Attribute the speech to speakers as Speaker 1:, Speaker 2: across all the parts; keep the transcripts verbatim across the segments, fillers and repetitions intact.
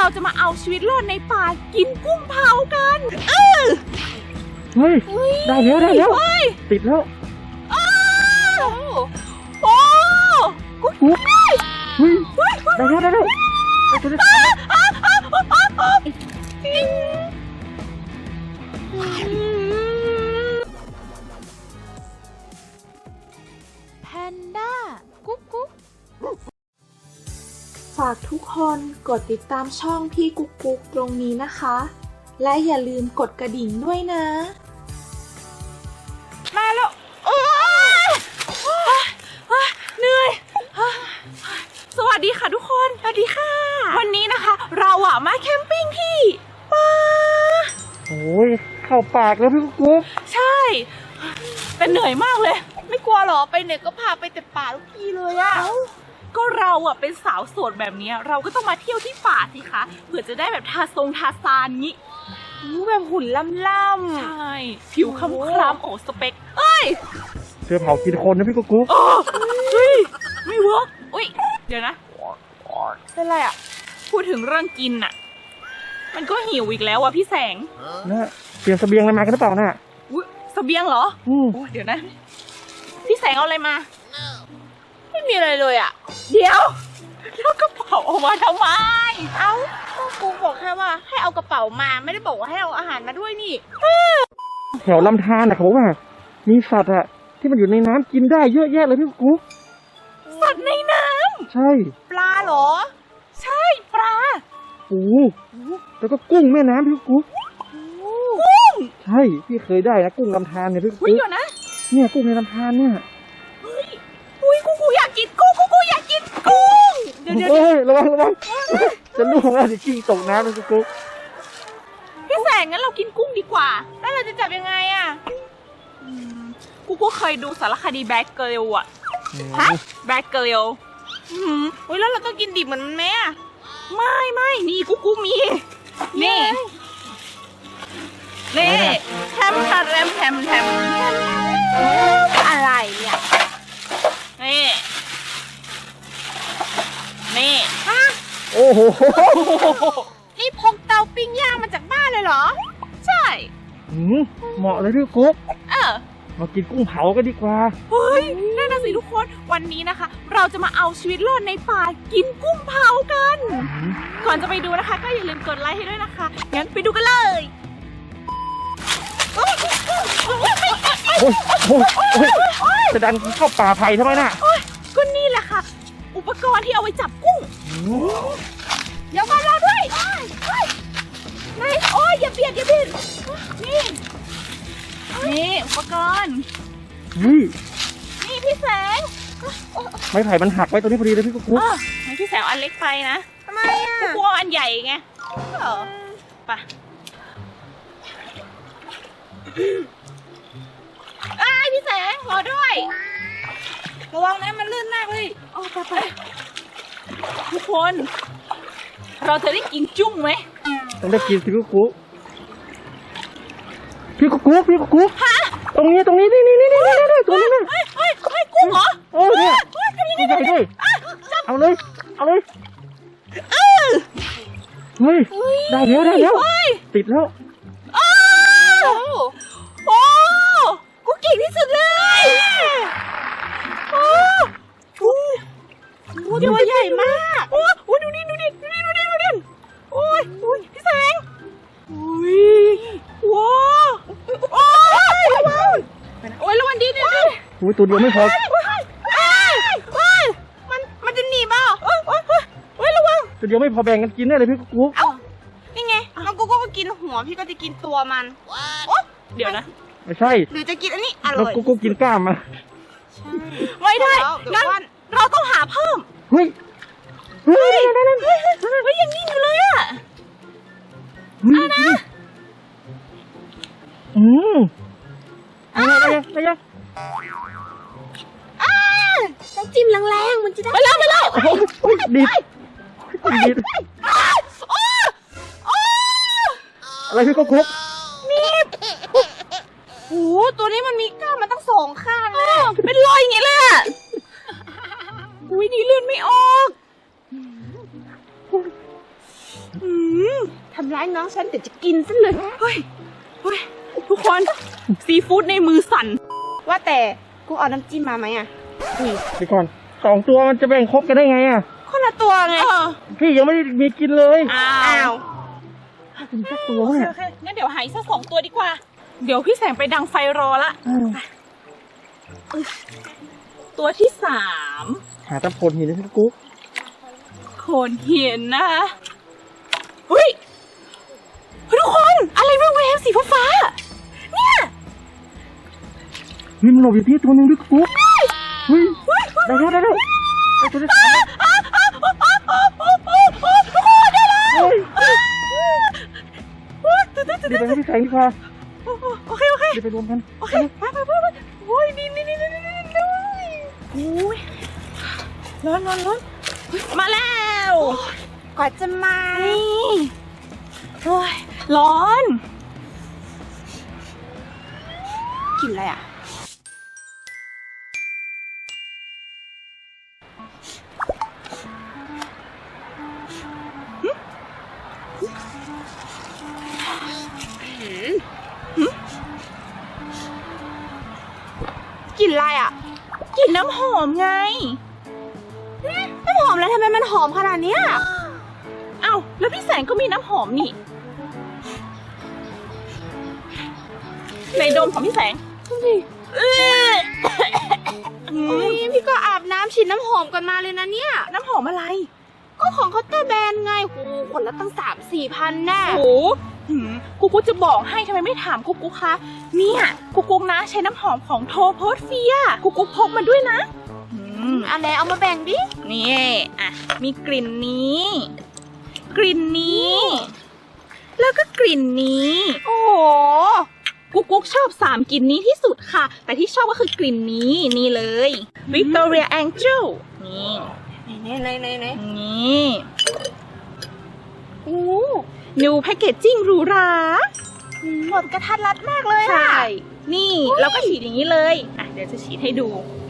Speaker 1: เราจะมาเอาชีวิตรอดในป่ากินกุ้งเผากันเออ
Speaker 2: เฮ้ยได้แล้วได้แล้วติดแล้ว
Speaker 1: โอ้โอ้กุ้งเฮ้ย
Speaker 2: เฮ้ยได้แล้วได้แล้วได้ตัวนี้
Speaker 1: แพนด้ากุ๊กกุ๊ก
Speaker 3: ฝากทุกคนกดติดตามช่องพี่กุ๊กกุ๊กตรงนี้นะคะ และอย่าลืมกดกระดิ่งด้วยนะ
Speaker 1: มาแล้วโอ้ยเหนื่อยสวัสดีค่ะทุกคนสวัสดีค่ะวันนี้นะคะเราอะมาแคมปิ้งที่ป่า
Speaker 2: โอ้ยเข้าปากแล้วพี่กุ๊ก
Speaker 1: ใช่แต่เหนื่อยมากเลยไม่กลัวหรอไปไหนก็พาไปแต่ป่าทุกทีเลยอะก็เราอะเป็นสาวโสดแบบนี้เราก็ต้องมาเที่ยวที่ป่าสิคะเผื่อจะได้แบบทาทรงทาซานงี้แบบหุ่นล่ำๆใช่ผิวคล้ำๆโอ้สเปคเอ้ย
Speaker 2: เสือเผากินคนนะพี่กุ๊ก
Speaker 1: เฮ้ยไม่เวิร์กอุ้ยเดี๋ยวนะเป็นไรอะพูดถึงเรื่องกินอะมันก็หิวอีกแล้วอะพี่แสง
Speaker 2: นะเตรียมเสบียงอะไรมากันหรือเปล่าน่ะ
Speaker 1: อุ้ยเสบียงเหรออือเดี๋ยวนะพี่แสงเอาอะไรมาไม่มีอะไรเลยอะเดี๋ยวแล้วกระเป๋าออกมาทำไมเอ้ากูบอกแค่ว่าให้เอากระเป๋ามาไม่ได้บอกว่าให้เอาอาหารมาด้วยนี่
Speaker 2: แถวลำธารนะเขาบอกว่ามีสัตว์อะที่มันอยู่ในน้ำกินได้เยอะแยะเลยพี่กุ๊ก
Speaker 1: สัตว์ในน้ำ
Speaker 2: ใช่
Speaker 1: ปลาเหรอใช่ปลา
Speaker 2: โอ้แล้วก็กุ้งแม่น้ำพี่กุ๊ก
Speaker 1: กุ้ง
Speaker 2: ใช่พี่เคยได้นะกุ้งลำธารเนี่ยพี่กุ๊ก
Speaker 1: เดี๋ยวนะ
Speaker 2: เนี่ยกุ้งในลำธารเนี่ย
Speaker 1: เฮ้ยอุ้ยกูกูอยากกินกุ้งกูกูอยากกินกุ้งเดี๋ยวเดี๋ยว
Speaker 2: เฮ้ยระวังระวังจะล่วงแล้วจะกิ้งตกน้ำเลยพี่กุ๊ก
Speaker 1: พี่แสงงั้นเรากินกุ้งดีกว่าแล้วเราจะจับยังไงอ่ะกูกูเคยดูสารคดีแบล็กเกิร์ลอะฮะแบล็กเกิร์ลอืมโอ้ยแล้วเราต้องกินดิบเหมือนมันไหมอ่ะไม่ไม่นี่กูกูมีนี่นี่แทมแทมแทมแทมแทมอะไรเนี่ยนี่นี่ฮะ
Speaker 2: โอ้โห
Speaker 1: นี่พกเตาปิ้งย่างมาจากบ้านเลยเหรอใช่
Speaker 2: เหมาะเลยพี่กุ๊ก
Speaker 1: เออ
Speaker 2: มากินกุ้งเผากันดีกว่า
Speaker 1: เฮ้ยนั่นน่ะสิทุกคนวันนี้นะคะเราจะมาเอาชีวิตรอดในป่ากินกุ้งเผากันก่อนจะไปดูนะคะก็อย่าลืมกดไลค์ให้ด้วยนะคะงั้นไปดูกันเลย
Speaker 2: โอ้ยโอ้ยจะดันเข้าป่าไผ่ทำไมน่ะ
Speaker 1: ก็นี่แหละค่ะอุปกรณ์ที่เอาไว้จับกุ้งเดี๋ยวมาเราด้วยไหนโอ้ยอย่าเบียดอย่าเบียดนี่นี่อุปกรณ์
Speaker 2: นี่
Speaker 1: นี่พี่แสง
Speaker 2: ไม้ไผ่มันหักไว้ตัวนี้พอดีเลยพี่กุ๊ก
Speaker 1: ไม่พี่แสงอันเล็กไปนะทำไมอ่ะกลัวอันใหญ่ไงเออไปไอ้พี่แสงรอด้วยระวังนะมันลื่นมากเลยโอ้ไปไปทุกคนเราจะได้กินจุ้งไหม
Speaker 2: ต้องได้กินพี่กุ๊กพี่กุ๊กพี่กุ๊กฮะตรงนี้ตรงนี้นี่นี่นี่นี่นี่ตรงนี้นะ
Speaker 1: เฮ้ยเฮ้ยเฮ้ยกุ้งเหรอ
Speaker 2: โอ้เนี่ยนี่ใหญ่ด้วยเอาเลยเอาเลยเฮ้ยได้แล้วได้แล้วติดแล้ว
Speaker 1: โอ้โอ้กูเก่งที่สุดเลยโอ้โอ้ตัวใหญ่มากโอ้โอ้ดูนี่ดูนี่ดูนี่ดูนี่ดูนี่โอ้ยโอ้ยพี่แสงโอ้ยว้าวโอ้ยระวังโอ้ยระวังดีดิ
Speaker 2: โอ้ยตัวเดียวไม่พอ
Speaker 1: มันมันจะหนีบ้าโอ้ยโอ้ยโอ้ยระวัง
Speaker 2: ตัวเดียวไม่พอแบ่งกันกินได้เลยพี่กุ๊ก
Speaker 1: นี่ไงน้องกุ๊กก็กินหัวพี่ก็จะกินตัวมันเดี๋ยวนะ
Speaker 2: ไม่ใช่
Speaker 1: หรือจะกินอันนี้อร่อย
Speaker 2: น้องกุ๊กกินกล้ามมา
Speaker 1: ไม่ได้งั้นเราต้องหาเพิ่ม
Speaker 2: เฮ้ย
Speaker 1: เฮ้ยเฮ้ยยังนิ่งอยู่เลยอ่ะอ่ะนะ
Speaker 2: อืมอะไรอะไรอะไร
Speaker 1: อ่าต้องจิ้มแรงๆมันจะได้ไปแล้วไปแล้ว
Speaker 2: ดีดีอะไรพี่กุ๊ก
Speaker 1: นี่โอ้ตัวนี้มันมีกล้ามมาตั้งสองข้างเลยเป็นรอยอย่างเงี้ยเลยอ่ะอุ้ยนี่เลือดไม่ออกอืมทำร้ายน้องฉันแต่จะกินซะเลยเฮ้ยเฮ้ยทุกคนซีฟู้ดในมือสั่นว่าแต่กูเอาน้ำจิ้มมาไหมอ่ะนี่
Speaker 2: เดี๋ยวก่อนสองตัวมันจะแบ่งครบกันได้ไงอ่ะ
Speaker 1: คนละตัวไง
Speaker 2: พี่ยังไม่ได้มีกินเลย
Speaker 1: อ้าว
Speaker 2: กินสักตัว
Speaker 1: โอเค
Speaker 2: เนี่ย
Speaker 1: โอเคงั้นเดี๋ยวหายสักสองตัวดีกว่า เดี๋ยวพี่แสงไปดังไฟรอละ
Speaker 2: อืม
Speaker 1: ตัวที่สาม
Speaker 2: หาตะโพนหินเลยพี่กุ๊ก
Speaker 1: โคนเห็นนะคะเฮ้ยเฮ้ยทุกคนอะไรแววๆสีฟ้าๆเนี่ย
Speaker 2: นี่มันหลบอยู่พี่ตัวหนึงพี่กุ๊กเฮ้ยได้แล้วได้แล้วได้ตัวที่สามแล้ว
Speaker 1: อ้าวอ้าวอ้าวอ้าวอ้าวอ้าวอ้าวทุกคนได้แล้ว
Speaker 2: เฮ้ย
Speaker 1: โอ้ยตื่นเต้นตื่น
Speaker 2: เดี๋ยว
Speaker 1: เต้น
Speaker 2: ไปให้พี่แสงดีกว่า
Speaker 1: โอเคโอเค
Speaker 2: เดี๋ยวไปรวมกัน
Speaker 1: โอเคไปไปไปไปโอ้ยนี่นี่นี่นี่นี่นี่โอ้ยร้อนร้อนร้อนมาแล้วกว่าจะมานี่โอ้ยร้อนกินอะไรอ่ะกลิ่นอะไรอ่ะกลิ่นน้ำหอมไงน้ำหอมแล้วทำไมมันหอมขนาดเนี้ยเอ้าแล้วพี่แสงก็มีน้ำหอมนี่ในดมของพี่แสงเอ้ย
Speaker 3: พี่ก็อาบน้ำฉีดน้ำหอมกันมาเลยนะเนี่ย
Speaker 1: น้ำหอมอะไร
Speaker 3: ก็ของเคาน์เตอร์แบรนด์ไงโหคนละตั้งสามสี่พันแน่
Speaker 1: โอ้โหหืมกูกูจะบอกให้ทำไมไม่ถามกูกูคะเนี่ยกูกูนะใช้น้ำหอมของโทโพสเฟียกูกูพกมาด้วยนะอืม
Speaker 3: อันไหนเอามาแบ่งดิ
Speaker 1: นี่อ่ะมีกลิ่นนี้ กลิ่นนี้ แล้วก็กลิ่นนี้
Speaker 3: โอ้โห
Speaker 1: กุ๊กกุ๊กชอบสามกลิ่นนี้ที่สุดค่ะ แต่ที่ชอบก็คือกลิ่นนี้นี่เลย Victoria Angel นี่
Speaker 3: ไหนไหนไหนไหน
Speaker 1: นี่
Speaker 3: โอ้
Speaker 1: New Packaging หรูหรา
Speaker 3: หมดกระทัดรัดมากเลย
Speaker 1: ใช่
Speaker 3: อ่ะ
Speaker 1: นี่เราก็ฉีดอย่างนี้เลยอ่ะเดี๋ยวจะฉีดให้ดู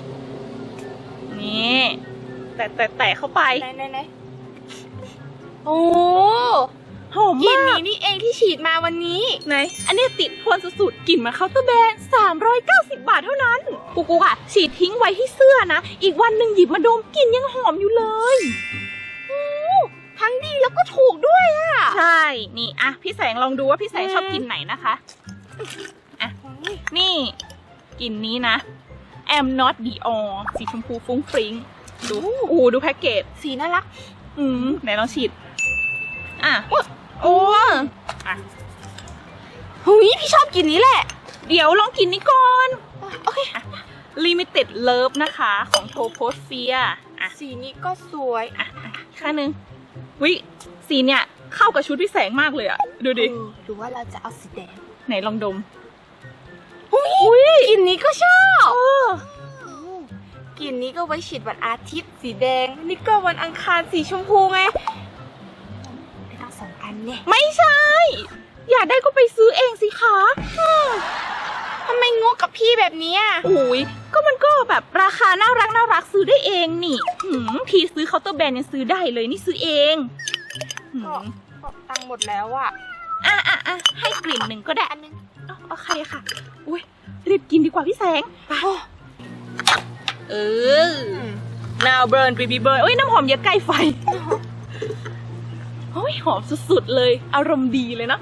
Speaker 1: นี่ แต่แต่แต่เข้าไป
Speaker 3: ไหนไหนไหนโอ้
Speaker 1: หอม
Speaker 3: กลิ่น
Speaker 1: มาก
Speaker 3: นี้นี่เองที่ฉีดมาวันนี้
Speaker 1: ไหน อันนี้ติดทนสุดๆกลิ่นเหมาเคาน์เตอร์แบรนด์สามร้อยเก้าสิบบาทเท่านั้น กูกูอ่ะ ฉีดทิ้งไว้ที่เสื้อนะ อีกวันหนึ่งหยิบมาดมกลิ่นยังหอมอยู่เลย
Speaker 3: ทั้งดีแล้วก็ถูกด้วยอ่ะ
Speaker 1: ใช่ นี่อ่ะพี่แสงลองดูว่าพี่แสงชอบกลิ่นไหนนะคะอ่ะนี่กลิ่นนี้นะ I'm not Dior สีชมพูฟุ้งฟริ้งดูอูดูแพ็กเกจ
Speaker 3: สีน่ารัก
Speaker 1: อืมไหนลองฉีด อ่ะ โอ้อ่ะ
Speaker 3: หุยพี่ชอบกลิ่นนี้แหละ
Speaker 1: เดี๋ยวลองกินนี้ก่อน โอเคอ่ะ Limited Love นะคะ ของโทโพสเฟียอ่ะ
Speaker 3: สีนี้ก็สวย
Speaker 1: อ่ะอ่ะอีกข้างหนึงวิสีเนี่ยเข้ากับชุดพี่แสงมากเลยอ่ะ ดูดิ
Speaker 3: เออหรือว่าเราจะเอาสีแดง
Speaker 1: ไหนลองดม
Speaker 3: อุ้ยกลิ่นนี้ก็ชอบกลิ่นนี้ก็ไว้ฉีดวันอาทิตย์สีแดง นี่ก็วันอังคารสีชมพูไงได้ทั้งสองอันเนี่ย
Speaker 1: ไม่ใช่ อยากได้ก็ไปซื้อเองสิคะ
Speaker 3: ทำไมงกกับพี่แบบนี้อ่ะ
Speaker 1: โอ้ยก็มันก็แบบราคาน่ารักน่ารักซื้อได้เองนี่หืมพี่ซื้อเคาน์เตอร์แบรนด์ยังซื้อได้เลยนี่ซื้อเองหื
Speaker 3: ก็
Speaker 1: ม
Speaker 3: ก็ตังค์หมดแล้วอ่ะ
Speaker 1: อ่ะอ่ะอ่ะให้กลิ่นหนึ่งก็ได้
Speaker 3: อันนึง
Speaker 1: เอาโอเคค่ะ อุ้ยรีบกินดีกว่าพี่แสง เออ now burn baby burn เอ้ยน้ำหอมอย่าใกล้ไฟโอ้ยหอมสุดๆเลย อารมณ์ดีเลยนะ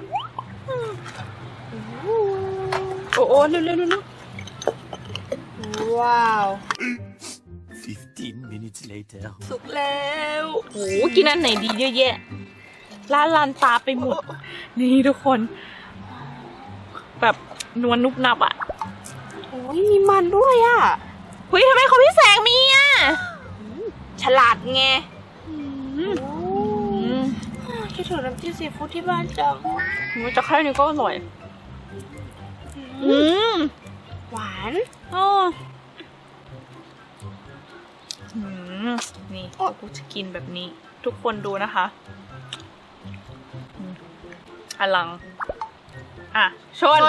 Speaker 1: โอ้โอ้เร็วเร็วเร็ว
Speaker 3: ว้าว
Speaker 4: Fifteen minutes later.
Speaker 3: สุกแล้ว
Speaker 1: โอ้กินอันไหนดีเยอะแยะลาลานตาไปหมด นี่ทุกคน แบบนวลนุบนับอ่ะ
Speaker 3: โอ้ยมีมันด้วยอ่ะ
Speaker 1: เฮ้ยทำไมของพี่แสงมีอ่ะ
Speaker 3: ฉลาดไง
Speaker 1: อื
Speaker 3: โอ้
Speaker 1: ม
Speaker 3: คิดถึงน้ำจิ้มซีฟู้ดที่บ้านจัง
Speaker 1: มันจะแค่นี้ก็อร่อย อืม
Speaker 3: หวาน
Speaker 1: อ๋ออืมนี่กูจะกินแบบนี้ ทุกคนดูนะคะอืมอลัง อ่ะ ชน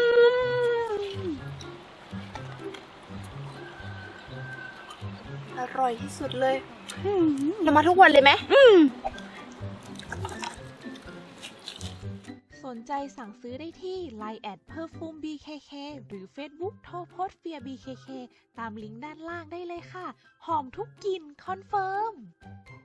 Speaker 3: อร่อยที่สุดเลยเรามาทุกวันเลยไหม
Speaker 5: สนใจสั่งซื้อได้ที่ ไลน์ แอท เพอร์ฟูม บี เค เค หรือ Facebook โทโพสเฟีย บี เค เค ตามลิงก์ด้านล่างได้เลยค่ะ หอมทุกกลิ่นคอนเฟิร์ม